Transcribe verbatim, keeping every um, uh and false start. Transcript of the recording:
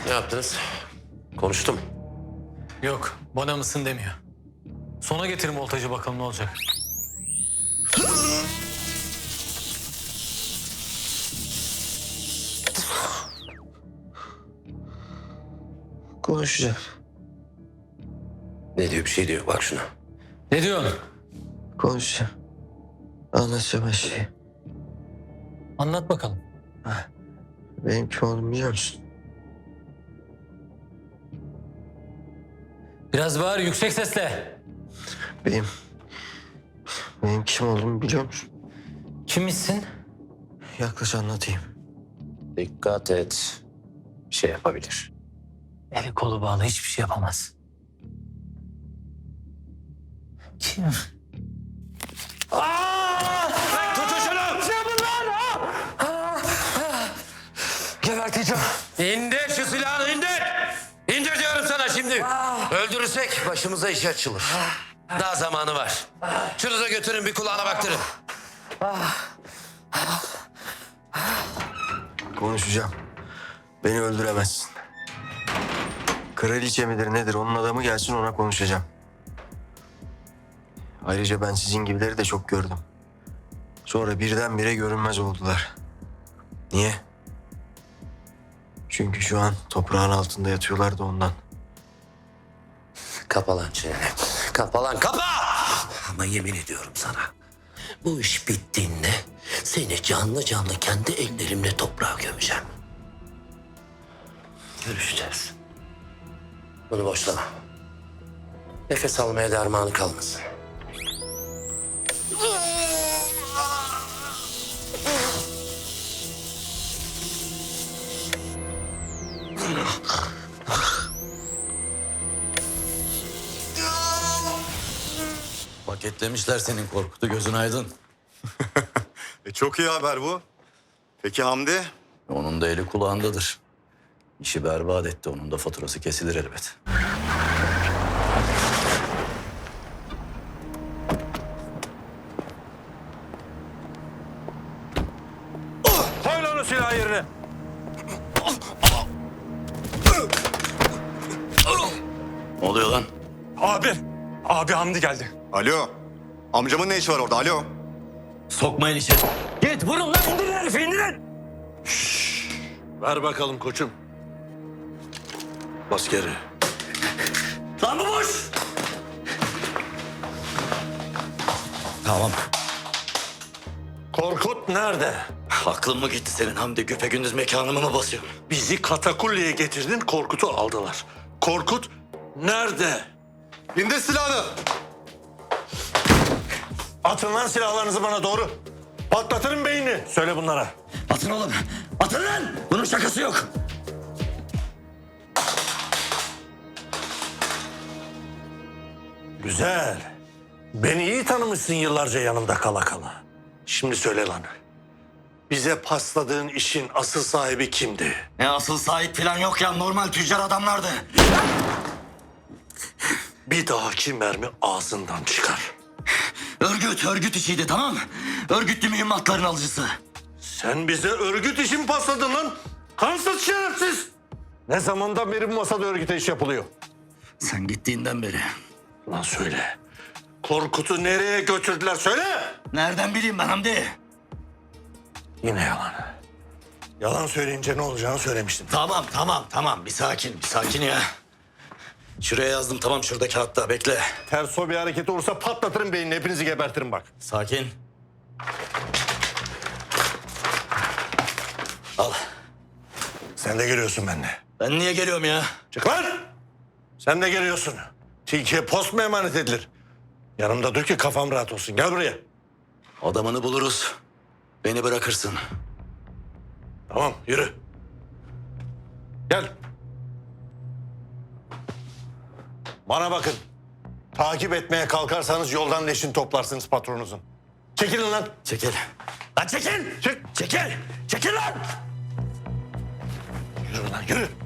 Ne yaptınız? Konuştum. Yok, bana mısın demiyor. Sona getirin voltajı bakalım ne olacak. Konuşacağım. Ne diyor, bir şey diyor. Bak şuna. Ne diyorsun? Konuşacağım. Anlatacağım her şeyi. Anlat bakalım. Benim kim olduğumu biliyor musun? Biraz bağır, yüksek sesle. Benim... Benim kim olduğumu biliyor musun? Kimmişsin? Yaklaş anlatayım. Dikkat et. Bir şey yapabilir. Eli kolu bağlı, hiçbir şey yapamaz. Kim? Tutun şunu! Geberteceğim. İndir şu silahını, indir! İndir diyorum sana şimdi. Öldürürsek başımıza iş açılır. Daha zamanı var. Şunu da götürün, bir kulağına baktırın. Konuşacağım. Beni öldüremezsin. Kraliçe midir nedir onun adamı gelsin ona konuşacağım. Ayrıca ben sizin gibileri de çok gördüm. Sonra birdenbire görünmez oldular. Niye? Çünkü şu an toprağın altında yatıyorlar da ondan. Kapa lan çeneni. Kapa lan, kapa! Ama yemin ediyorum sana. Bu iş bittiğinde seni canlı canlı kendi ellerimle toprağa gömeceğim. Görüşeceğiz. Bunu boşlama. Nefes almaya dermanı kalmasın. Paketlemişler senin Korkut'u, gözün aydın. E çok iyi haber bu. Peki Hamdi? Onun da eli kulağındadır. İşi berbat etti, onun da faturası kesilir elbet. Koy lan o silahı yerine. Ne oluyor lan? Abi, abi Hamdi geldi. Alo. Amcamın ne işi var orada? Alo. Sokmayın içeri. Git vurun lan, indirin herifi, indirin. Ver bakalım koçum. Bas geri. Lan bu boş! Tamam. Korkut nerede? Aklın mı gitti senin Hamdi? Güpegündüz mekanımı mı basıyorsun? Bizi katakulliye getirdin, Korkut'u aldılar. Korkut nerede? İndir silahını. Atın lan silahlarınızı bana doğru. Patlatırım beynini. Söyle bunlara. Atın oğlum. Atın lan! Bunun şakası yok. Güzel. Beni iyi tanımışsın yıllarca yanımda kala kala. Şimdi söyle lan. Bize pasladığın işin asıl sahibi kimdi? Ne asıl sahip falan yok ya. Normal tüccar adamlardı. Bir dahaki mermi ağzından çıkar. Örgüt, örgüt işiydi, tamam mı? Örgütlü mühimmatların alıcısı. Sen bize örgüt işi mi pasladın lan? Kansız şerefsiz. Ne zamandan beri bu masada örgüte iş yapılıyor? Sen gittiğinden beri. Lan söyle. Korkut'u nereye götürdüler söyle. Nereden bileyim ben Hamdi? Yine yalan. Yalan söyleyince ne olacağını söylemiştim. Tamam, tamam, tamam. Bir sakin, bir sakin ya. Şuraya yazdım, tamam, şurada kağıtta. Bekle. Ters o bir hareket olursa patlatırım beynini. Hepinizi gebertirim bak. Sakin. Al. Sen de geliyorsun benimle. Ben niye geliyorum ya? Çık lan! Sen de geliyorsun. Tilkiye post mu emanet edilir? Yanımda dur ki kafam rahat olsun. Gel buraya. Adamını buluruz. Beni bırakırsın. Tamam yürü. Gel. Bana bakın. Takip etmeye kalkarsanız yoldan leşin toplarsınız patronunuzun. Çekilin lan. Çekil. Lan çekil! Çık. Çekil! Çekil lan! Yürü lan yürü.